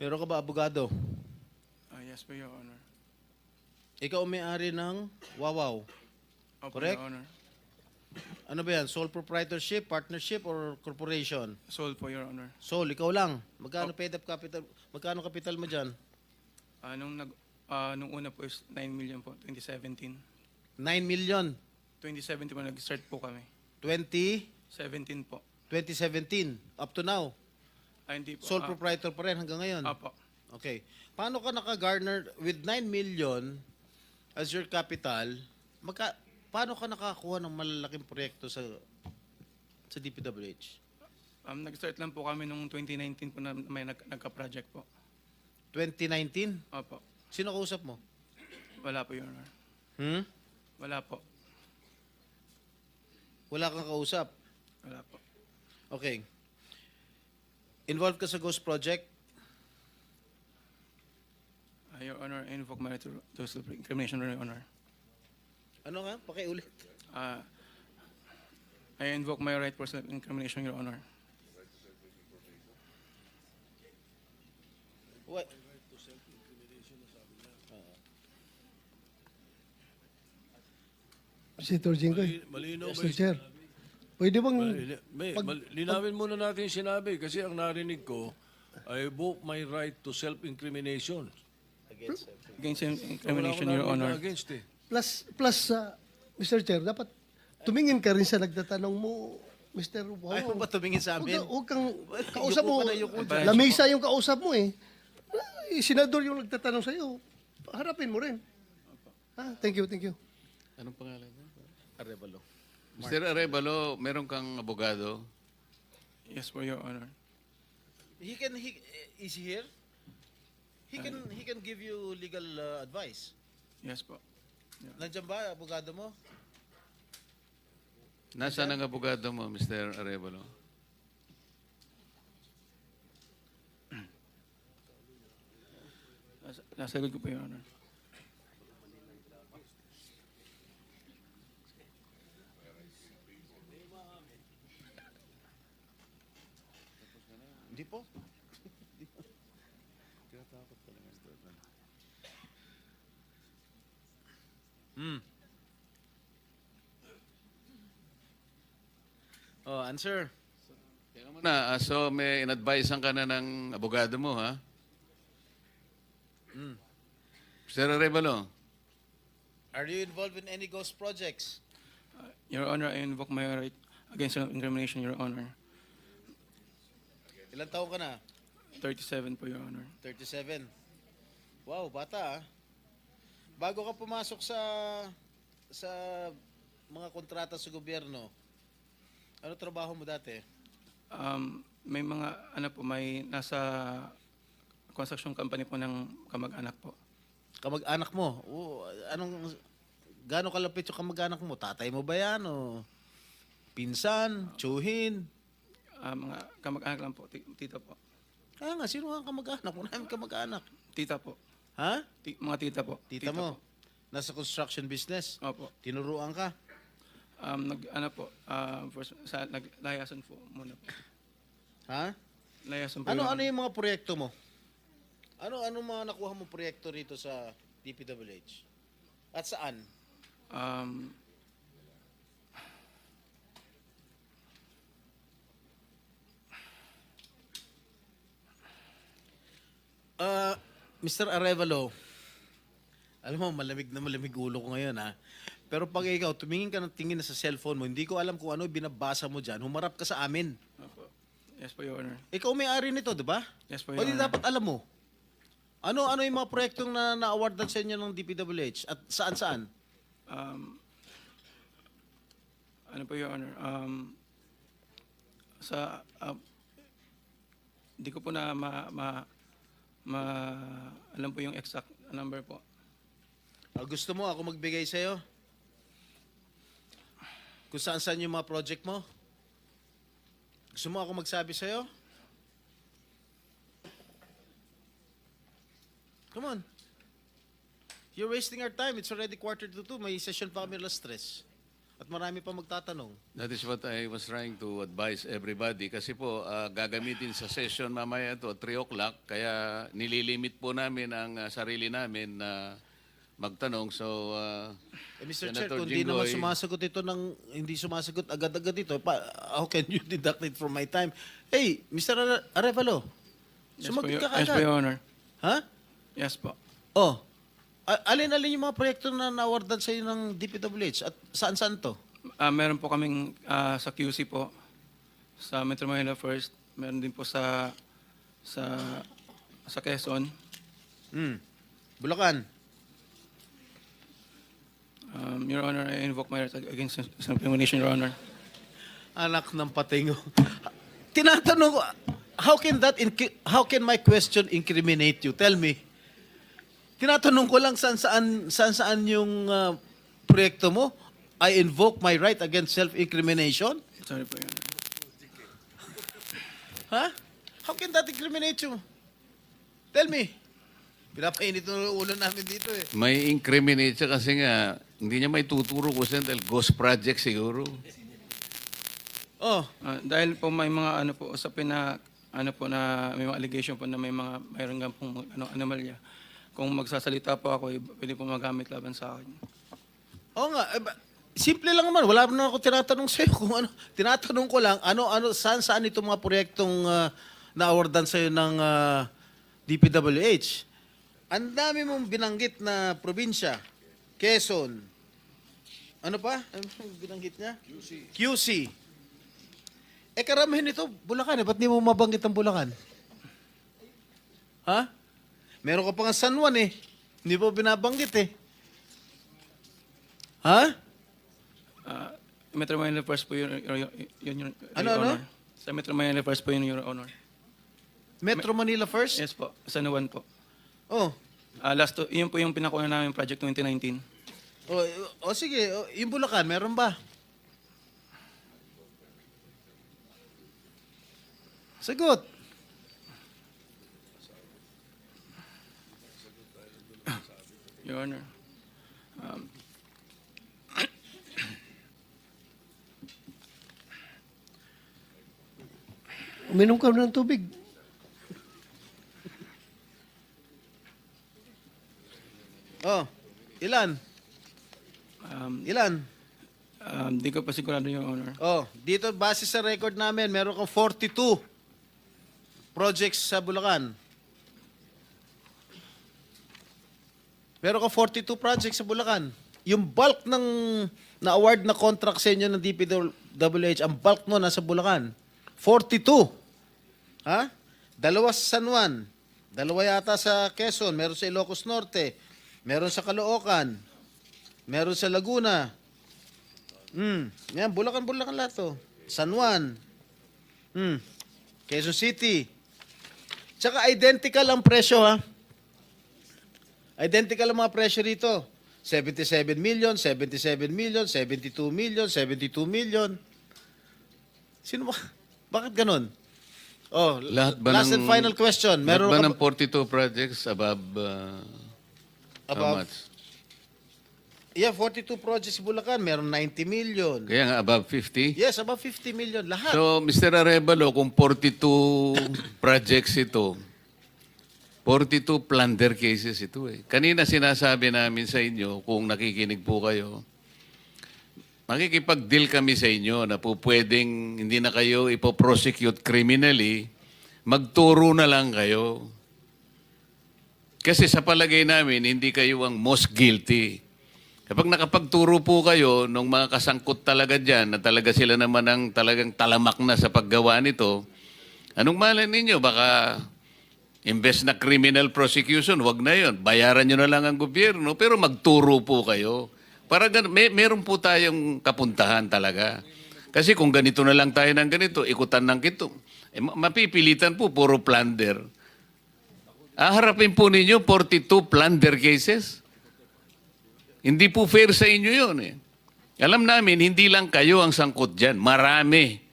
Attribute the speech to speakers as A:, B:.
A: Meron ka ba abogado?
B: Yes po, Your Honor.
A: Ikaw ang may-ari ng Wawaw.
B: Opo,
A: Correct?
B: Your Honor.
A: Ano ba yan? Sole proprietorship, partnership, or corporation?
B: Sold po, Your Honor.
A: Sole, ikaw lang. Magkano paid up capital? Magkano capital mo dyan?
B: Nung una po is 9 million po, 2017.
A: 9 million.
B: 2017 po, nag-start po kami.
A: 2017.
B: 17 po.
A: Up to now.
B: Hindi po.
A: Sole proprietor pa rin hanggang ngayon.
B: Apo.
A: Okay. Paano ka naka-garner with 9 million as your capital? Paano ka nakakuha ng malalaking proyekto sa DPWH?
B: Nag-start lang po kami nung 2019 po na may nagka-project po.
A: 2019?
B: Opo.
A: Sino kausap mo?
B: Wala po, Your Honor. Wala po.
A: Wala kang kausap?
B: Wala po.
A: Okay. Involved ka sa Ghost Project?
B: Your Honor, I invoke my right to self-incrimination, Your Honor.
A: Ano nga? Pakiulit.
B: I invoke my right for self-incrimination, Your Honor.
A: What?
C: Senator Jinggoy.
D: Malinaw ba
C: Mr.
D: yung
C: Chair. Pwede bang...
D: linawin muna natin yung sinabi kasi ang narinig ko, I invoke my right to self-incrimination.
B: Against self-incrimination,
D: Wala
B: Your
D: ko narinig
B: Honor.
D: na against eh.
C: Plus, Mr. Chair, dapat tumingin ka rin sa nagtatanong mo, Mr. Wow.
A: Ayaw ba tumingin sa amin?
C: Huwag kang kausap
A: Yuko
C: mo.
A: ka na, yuko dyan.
C: Lamesa yung kausap mo eh. Senador yung nagtatanong sa'yo. Harapin mo rin. Thank you, thank you.
E: Anong pangalan niya?
A: Arevalo.
E: Mr. Arevalo, meron kang abogado?
B: Yes po, Your Honor.
A: Is he here? He can give you legal advice.
B: Yes po.
A: Nandiyan ba abogado mo?
E: Nasaan ang abogado mo, Mr. Arevalo?
B: Nasa likod ko po, Your Honor.
A: Hindi po. Oh, answer.
E: Teka muna, so may in-advisean ka na ng abogado mo, ha? Mr. Arevalo,
A: Are you involved in any ghost projects?
B: Your Honor, I invoke my right against self-incrimination, Your Honor.
A: Ilang taon ka na?
B: 37 po, Your Honor.
A: 37. Wow, bata ah. Bago ka pumasok sa mga kontrata sa gobyerno, ano trabaho mo dati?
B: May mga, may nasa construction company po ng kamag-anak po.
A: Kamag-anak mo? Gaano kalapit yung kamag-anak mo? Tatay mo ba yan? O pinsan? Tsuhin?
B: Mga kamag-anak lang po, tita po.
A: Kaya nga, sino ang kamag-anak? Wala namin kamag-anak.
B: Tita po.
A: Ha?
B: Mga tita po.
A: Tita mo?
B: Po.
A: Nasa construction business?
B: Opo.
A: Tinuruan ka?
B: Naglayasan po muna po.
A: Ha?
B: Layasan po.
A: Ano
B: Your Honor.
A: yung mga proyekto mo? Ano mga nakuha mo proyekto rito sa DPWH? At saan? Mr. Arevalo, alam mo, malamig na malamig ulo ko ngayon ha. Pero pag ikaw, tumingin ka ng tingin na sa cellphone mo, hindi ko alam kung ano binabasa mo dyan, humarap ka sa amin.
B: Opo. Yes po, Your Honor.
A: Ikaw may-ari nito, di ba?
B: Yes po,
A: O
B: Your
A: di
B: Honor.
A: dapat alam mo. Ano yung mga proyektong na-awardan sa inyo ng DPWH? At saan-saan?
B: Ano po, Your Honor? Hindi ko po na alam po yung exact number po.
A: Gusto mo ako magbigay sa'yo? Kung saan-saan yung mga project mo? Gusto mo ako magsabi sa'yo? Come on. You're wasting our time. It's already 1:45. May session pa kami alas 3. At marami pa magtatanong.
E: That is what I was trying to advise everybody. Kasi po, gagamitin sa session mamaya to 3 o'clock. Kaya nililimit po namin ang sarili namin na magtanong. So,
A: Mr. Chair,
E: Senator
A: kung di naman
E: Jinggoy,
A: sumasagot ito hindi sumasagot agad-agad ito, how can you deduct it from my time? Hey, Mr. Arevalo, sumagot ka
B: Yes po,
A: agad.
B: Your Honor.
A: Ha?
B: Yes po.
A: Oh, alin-alin yung mga proyekto na na-awardan sa'yo ng DPWH at saan-saan to?
B: Meron po kaming sa QC po, sa Metro Manila First. Meron din po sa Quezon.
A: Bulacan.
B: Your Honor, I invoke my right against self-incrimination, Your Honor.
A: Anak ng patingo. Tinatanong ko, how can my question incriminate you? Tell me. Tinatanong ko lang saan yung proyekto mo. I invoke my right against self-incrimination?
B: Sorry po, Your Honor.
A: Ha? How can that incriminate you? Tell me. Pinapainit ng ulo namin dito eh.
E: may incriminate siya kasi nga, hindi niya may tuturo ko siya dahil ghost project siguro.
A: Oh,
B: Dahil po may mga usapin na na may mga allegation po na mayroon nga pong anomalya. Kung magsasalita po ako, pwede po magamit laban sa akin.
A: oo nga. Simple lang naman. Wala na ako tinatanong sa'yo kung ano. Tinatanong ko lang, saan itong mga proyektong na-awardan sa'yo ng DPWH. Ang dami mong binanggit na probinsya. Quezon. Ano pa? Ano yung binanggit niya? QC. Karamihan ito, Bulacan. Ba't di mo mabanggit ang Bulacan? Ha? Meron ka pa nga San Juan eh. Hindi mo binabanggit eh. Ha?
B: Metro Manila First po yun, Your
A: Ano?
B: Honor. Sa Metro Manila First po yun, Your Honor.
A: Metro Manila first?
B: Yes po, San Juan po.
A: Oh.
B: Yun po yung pinakuha namin project 2019.
A: Sige. Yung Bulacan, meron ba? Sagot.
B: Your Honor.
C: Uminom ka ng tubig.
A: Oh. Ilan? Ilan?
B: Di ko pa sigurado, Your Honor.
A: Oh, dito base sa record namin, meron kang 42 projects sa Bulacan. Meron kang 42 projects sa Bulacan. Yung bulk ng na-award na contract sa inyo ng DPWH, ang bulk no nasa Bulacan. 42. Ha? 2 sa San Juan. 2 yata sa Quezon. Meron sa Ilocos Norte. Meron sa Caloocan. Meron sa Laguna. Yan, Bulacan lahat to. San Juan. Quezon City. Tsaka identical ang presyo ha. Identical ang mga presyo rito. 77 million, 77 million, 72 million, 72 million. Sino ba? Bakit ganun? Oh,
E: Lahat ba
A: last and final question.
E: Lahat
A: Meron
E: ba
A: ka
E: ng 42 projects above, how
A: Above?
E: much?
A: Yeah, 42 projects sa Bulacan, meron 90 million.
E: Kaya nga above 50?
A: Yes, above 50 million. Lahat.
E: So, Mr. Arevalo, kung 42 projects ito, 42 plunder cases ito eh. Kanina sinasabi namin sa inyo, kung nakikinig po kayo, makikipag-deal kami sa inyo na po pwedeng hindi na kayo ipoprosecute criminally, magturo na lang kayo. Kasi sa palagay namin, hindi kayo ang most guilty. Kapag nakapagturo po kayo nung mga kasangkot talaga dyan, na talaga sila naman ang talagang talamak na sa paggawa nito, anong malay ninyo? Baka imbes na criminal prosecution, wag na yon. Bayaran nyo na lang ang gobyerno, pero magturo po kayo. Para meron po tayong kapuntahan talaga. Kasi kung ganito na lang tayo ng ganito, ikutan ng kito, mapipilitan po, puro plunder. Harapin po ninyo 42 plunder cases. Hindi po fair sa inyo yun eh. Alam namin, hindi lang kayo ang sangkot dyan. Marami.